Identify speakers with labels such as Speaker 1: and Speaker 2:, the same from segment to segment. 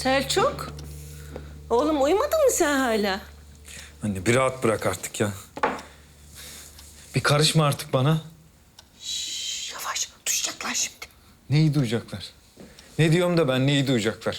Speaker 1: Selçuk. Oğlum uyumadın mı sen hala?
Speaker 2: Anne bir rahat bırak artık ya. Bir karışma artık bana.
Speaker 1: Yavaş, duyacaklar şimdi.
Speaker 2: Neyi duyacaklar? Ne diyorum da ben neyi duyacaklar?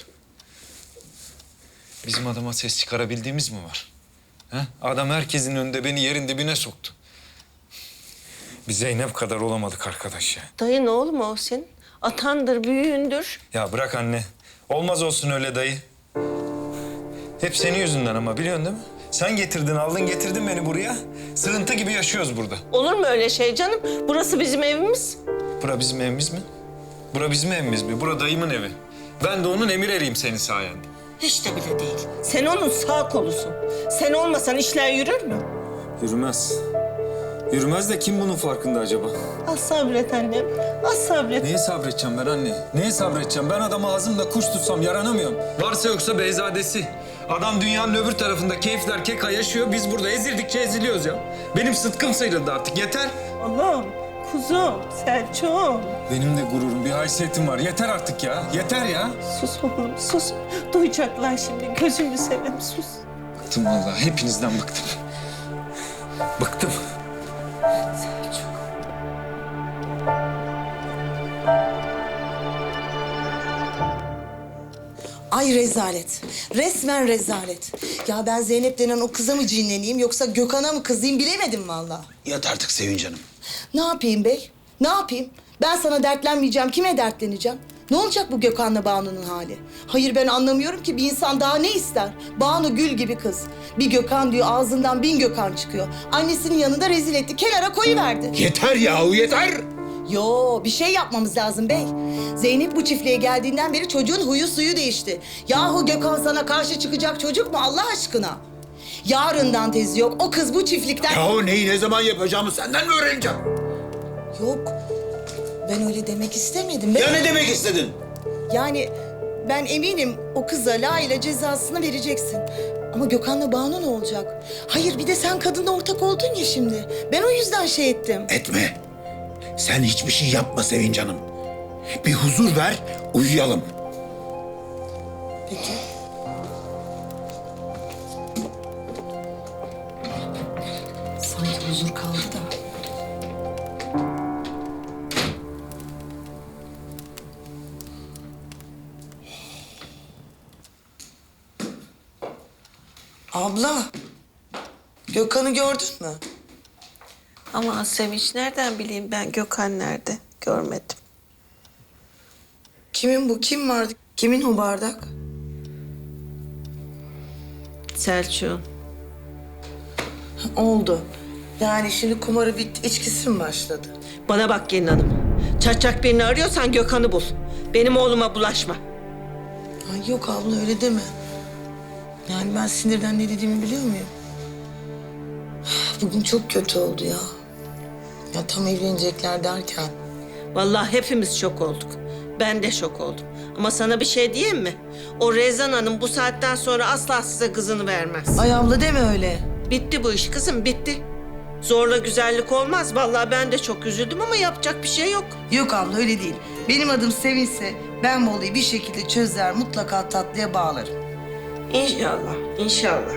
Speaker 2: Bizim adama ses çıkarabildiğimiz mi var? He? Adam herkesin önünde beni yerin dibine soktu. Bir Zeynep kadar olamadık arkadaş ya.
Speaker 1: Dayın oğlum o senin. Atandır, büyüğündür.
Speaker 2: Ya bırak anne. Olmaz olsun öyle dayı. Hep senin yüzünden ama biliyorsun değil mi? Sen getirdin, aldın getirdin beni buraya. Sığıntı gibi yaşıyoruz burada.
Speaker 1: Olur mu öyle şey canım? Burası bizim evimiz.
Speaker 2: Bura bizim evimiz mi? Bura bizim evimiz mi? Bura dayımın evi. Ben de onun emir eriyim senin sayende.
Speaker 1: Hiç de bile değil. Sen onun sağ kolusun. Sen olmasan işler yürür mü?
Speaker 2: Yürümez. Yürümez de kim bunun farkında acaba?
Speaker 1: Az sabret annem. Az sabret.
Speaker 2: Neye sabredeceğim ben anne? Neye sabredeceğim? Ben adamı ağzımda kuş tutsam yaranamıyorum. Varsa yoksa beyzadesi. Adam dünyanın öbür tarafında keyifler keka yaşıyor. Biz burada ezildikçe eziliyoruz ya. Benim sıtkım sıyrıldı artık. Yeter.
Speaker 1: Oğlum, kuzum, Selçuk.
Speaker 2: Benim de gururum, bir haysiyetim var. Yeter artık ya. Yeter ya.
Speaker 1: Sus oğlum, sus. Duyacaklar şimdi. Gözümü seveyim, sus.
Speaker 2: Bıktım vallahi. Hepinizden bıktım. Bıktım.
Speaker 1: Selçuk.
Speaker 3: Ay rezalet. Resmen rezalet. Ya ben Zeynep denen o kıza mı cinleneyim yoksa Gökhan'a mı kızayım bilemedim vallahi.
Speaker 4: Yat artık Sevinç Hanım.
Speaker 3: Ne yapayım bey? Ne yapayım? Ben sana dertlenmeyeceğim. Kime dertleneceğim? Ne olacak bu Gökhan'la Banu'nun hali? Hayır ben anlamıyorum ki bir insan daha ne ister? Banu gül gibi kız. Bir Gökhan diyor ağzından 1000 Gökhan çıkıyor. Annesinin yanında rezil etti. Kenara koyuverdi.
Speaker 4: Yeter yahu yeter.
Speaker 3: Yo bir şey yapmamız lazım bey. Zeynep bu çiftliğe geldiğinden beri çocuğun huyu suyu değişti. Yahu Gökhan sana karşı çıkacak çocuk mu Allah aşkına? Yarından tezi yok. O kız bu çiftlikten...
Speaker 4: Yahu neyi ne zaman yapacağımı senden mi öğreneceğim?
Speaker 3: Yok. Ben öyle demek istemedim. Ben...
Speaker 4: Ya ne demek istedin?
Speaker 3: Yani ben eminim o kıza layığıyla cezasını vereceksin. Ama Gökhan'la Banu ne olacak? Hayır bir de sen kadınla ortak oldun ya şimdi. Ben o yüzden şey ettim.
Speaker 4: Etme. Sen hiçbir şey yapma Sevinç Hanım. Bir huzur ver, uyuyalım.
Speaker 3: Peki. Sanki huzur kaldı da. Abla, Gökhan'ı gördün mü?
Speaker 1: Ama Sevinç nereden bileyim ben Gökhan nerede? Görmedim.
Speaker 3: Kimin bu? Kim vardı? Kimin o bardak?
Speaker 1: Selçuk'un.
Speaker 3: Oldu. Yani şimdi kumarı bitti, içkisi mi başladı?
Speaker 1: Bana bak gelin hanım. Çatacak birini arıyorsan Gökhan'ı bul. Benim oğluma bulaşma.
Speaker 3: Ay yok abla öyle deme. Yani ben sinirden ne dediğimi biliyor muyum? Bugün çok kötü oldu ya. Ya tam evlenecekler derken.
Speaker 1: Vallahi hepimiz şok olduk. Ben de şok oldum. Ama sana bir şey diyeyim mi? O Rezan Hanım bu saatten sonra asla size kızını vermez.
Speaker 3: Ay abla deme öyle.
Speaker 1: Bitti bu iş kızım, bitti. Zorla güzellik olmaz. Vallahi ben de çok üzüldüm ama yapacak bir şey yok.
Speaker 3: Yok abla öyle değil. Benim adım Sevinç'se ben bu olayı bir şekilde çözer, mutlaka tatlıya bağlarım.
Speaker 1: İnşallah, inşallah.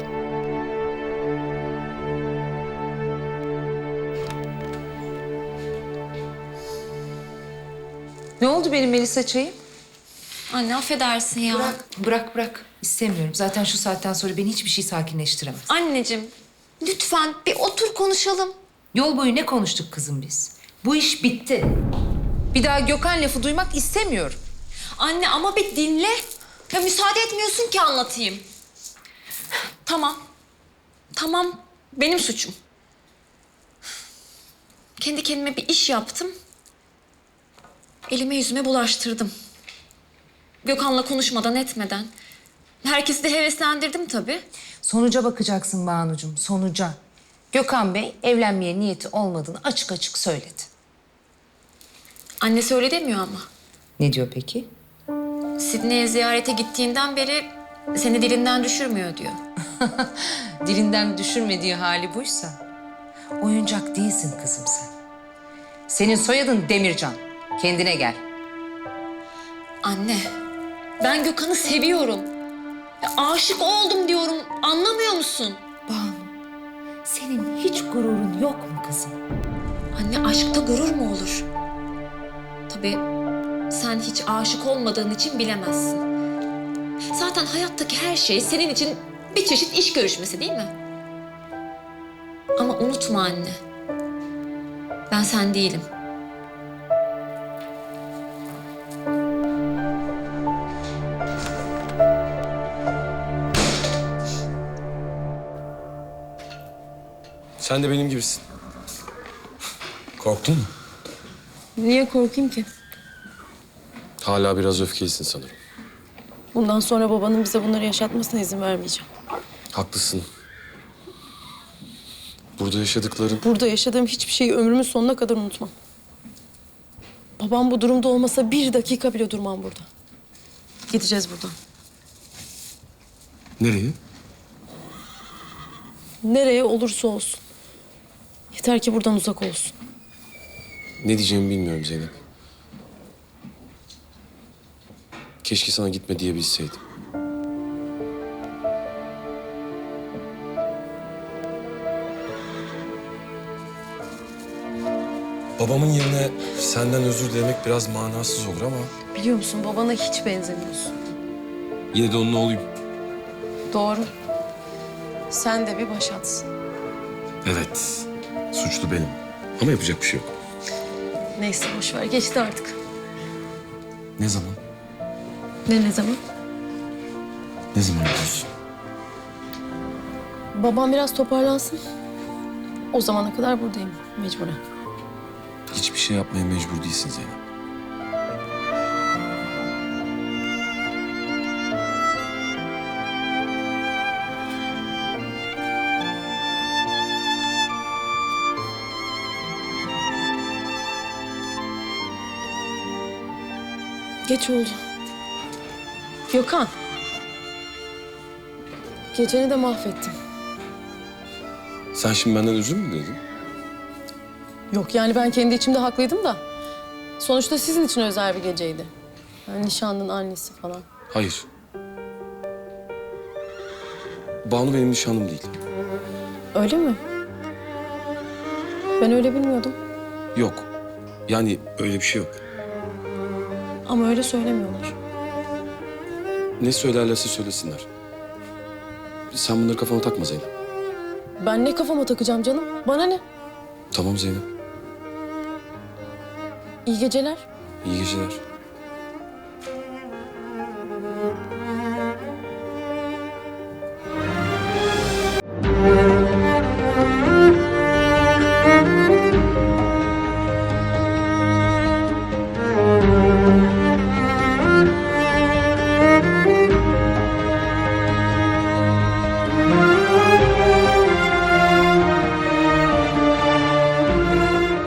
Speaker 5: Ne oldu benim Melisa çayım?
Speaker 6: Anne affedersin ya.
Speaker 5: Bırak. İstemiyorum. Zaten şu saatten sonra beni hiçbir şey sakinleştiremez.
Speaker 6: Anneciğim lütfen bir otur konuşalım.
Speaker 5: Yol boyu ne konuştuk kızım biz? Bu iş bitti. Bir daha Gökhan lafı duymak istemiyorum.
Speaker 6: Anne ama bir dinle. Ya müsaade etmiyorsun ki anlatayım. Tamam. Tamam benim suçum. Kendi kendime bir iş yaptım. Elime yüzüme bulaştırdım. Gökhan'la konuşmadan etmeden. Herkesi de heveslendirdim tabii.
Speaker 5: Sonuca bakacaksın Banucuğum, sonuca. Gökhan Bey evlenmeye niyeti olmadığını açık açık söyledi.
Speaker 6: Annesi öyle demiyor ama.
Speaker 5: Ne diyor peki?
Speaker 6: Sidney'e ziyarete gittiğinden beri seni dilinden düşürmüyor diyor.
Speaker 5: Dilinden düşürmediği hali buysa oyuncak değilsin kızım sen. Senin soyadın Demircan. Kendine gel.
Speaker 6: Anne, Ben Gökhan'ı seviyorum. Ya, aşık oldum diyorum. Anlamıyor musun?
Speaker 5: Banu, senin hiç gururun yok mu kızım?
Speaker 6: Anne, aşkta gurur mu olur? Tabii sen hiç aşık olmadığın için bilemezsin. Zaten hayattaki her şey senin için bir çeşit iş görüşmesi değil mi? Ama unutma anne. Ben sen değilim.
Speaker 7: Sen de benim gibisin. Korktun mu?
Speaker 8: Niye korkayım ki?
Speaker 7: Hala biraz öfkelisin sanırım.
Speaker 8: Bundan sonra babanın bize bunları yaşatmasına izin vermeyeceğim.
Speaker 7: Haklısın. Burada yaşadıkların...
Speaker 8: Burada yaşadığım hiçbir şeyi ömrümün sonuna kadar unutmam. Babam bu durumda olmasa bir dakika bile durmam burada. Gideceğiz buradan.
Speaker 7: Nereye?
Speaker 8: Nereye olursa olsun. Yeter ki buradan uzak olsun.
Speaker 7: Ne diyeceğimi bilmiyorum Zeynep. Keşke sana gitme diyebilseydim. Babamın yerine senden özür dilemek biraz manasız olur ama...
Speaker 8: Biliyor musun babana hiç benzemiyorsun.
Speaker 7: Yine de onun oğluyum.
Speaker 8: Doğru. Sen de bir başatsın.
Speaker 7: Evet, suçlu benim. Ama yapacak bir şey yok.
Speaker 8: Neyse boş ver geçti artık.
Speaker 7: Ne zaman?
Speaker 8: Ne zaman?
Speaker 7: Ne zaman diyorsun?
Speaker 8: Babam biraz toparlansın. O zamana kadar buradayım mecburen.
Speaker 7: Hiçbir şey yapmaya mecbur değilsin Zeynep.
Speaker 8: Geç oldu. Gökhan. Geceni de mahvettin.
Speaker 7: Sen şimdi benden özür mü diledin?
Speaker 8: Yok yani ben kendi içimde haklıydım da. Sonuçta sizin için özel bir geceydi. Yani nişanlının annesi falan.
Speaker 7: Hayır. Banu benim nişanlım değil.
Speaker 8: Öyle mi? Ben öyle bilmiyordum.
Speaker 7: Yok. Yani öyle bir şey yok.
Speaker 8: Ama öyle söylemiyorlar.
Speaker 7: Ne söylerlerse söylesinler. Sen bunları kafana takma Zeynep.
Speaker 8: Ben ne kafama takacağım canım? Bana ne?
Speaker 7: Tamam Zeynep.
Speaker 8: İyi geceler.
Speaker 7: İyi geceler.